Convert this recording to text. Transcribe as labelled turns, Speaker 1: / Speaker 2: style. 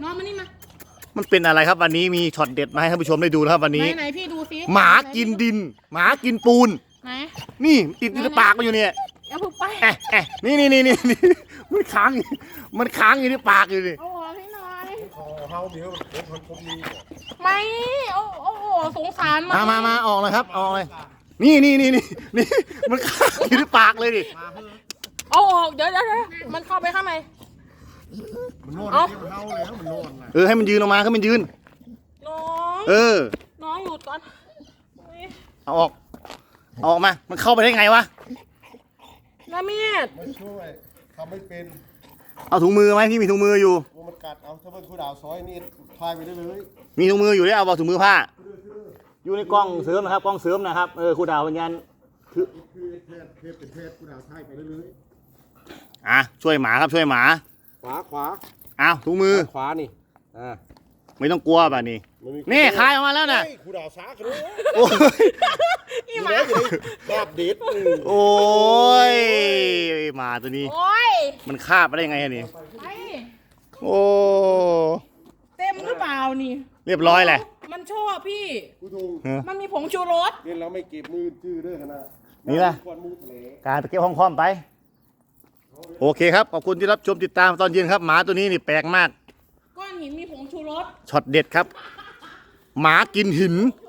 Speaker 1: น้องมานี่มา
Speaker 2: มันเป็นอะไรครับวันนี้มีช็อตเด็ดมาให้ท่านผู้ชมได้ดูนะครับวันนี้
Speaker 1: ไหนพี่ดูสิ
Speaker 2: หมากินดินหมากินปูน
Speaker 1: ไหน
Speaker 2: นี่ติดในปากมันอยู่เนี่ย
Speaker 1: เอาผูกไป
Speaker 2: นี่มันค้างอยู่ในปากอยู่นี่
Speaker 1: เอาออกให้หน่อย
Speaker 3: เฮาเดี๋ยวผมมี
Speaker 1: ไม่โอ้โหสงสาร
Speaker 2: มาออกเลยครับออกเลยนี่มันค้างอยู่ในปากเลยดิ
Speaker 1: เอาออกเดี๋ยวมันเข้าไปข้างใน
Speaker 3: มันนอนที่เฮาแล้วมันนอน
Speaker 2: ให้มันยืนออกมาให้มันยืน
Speaker 1: น้องน้องอยู่ตอน
Speaker 2: เอาออกมามันเข้าไปได้ไงวะ
Speaker 1: น้าเมียด
Speaker 3: ไม่ช่วยทำไม่เป็น
Speaker 2: เอาถุงมือไหมพี่มีถุงมืออยู่
Speaker 3: มันกัดเอาถ้าเป็นผู้ดาวซอยนี่พายไปได้เลย
Speaker 2: มีถุงมืออยู่ได้เอาถุงมือผ้าอยู่ในกล้องเสริมนะครับกล้องเสริมนะครับครูดาววิญญาณ
Speaker 3: คือเพศเป็นเพศผู้ดาวพายไปได้เลย
Speaker 2: ช่วยหมาครับช่วยหมา
Speaker 3: ขวา
Speaker 2: ถุงมือ
Speaker 3: ขวานี่
Speaker 2: ไม่ต้องกลัวป่ะนี่คายออกมาแล้วนะ
Speaker 3: ผู้ดาวซักเลย
Speaker 2: โอ้ย
Speaker 1: นี่หมา
Speaker 3: แบบเด็ด
Speaker 2: โอ้ยหมาตัวนี้มันคาบไปได้ยังไงนี่โอ้
Speaker 1: เต็มหรือเปล่านี่
Speaker 2: เรียบร้อยแหละ
Speaker 1: มันชอบพี่มันมีผงชูรส
Speaker 3: เล่นแล้วไม่เก็บมือจื้อด้วยขนาด
Speaker 2: นี่แหละการไปเก็บห้องคอมไปโอเคครับขอบคุณที่รับชมติดตามตอนเย็นครับหมาตัวนี้นี่แปลกมาก
Speaker 1: ก้อนหินมีผงชูรส
Speaker 2: ช็อตเด็ดครับหมากินหิน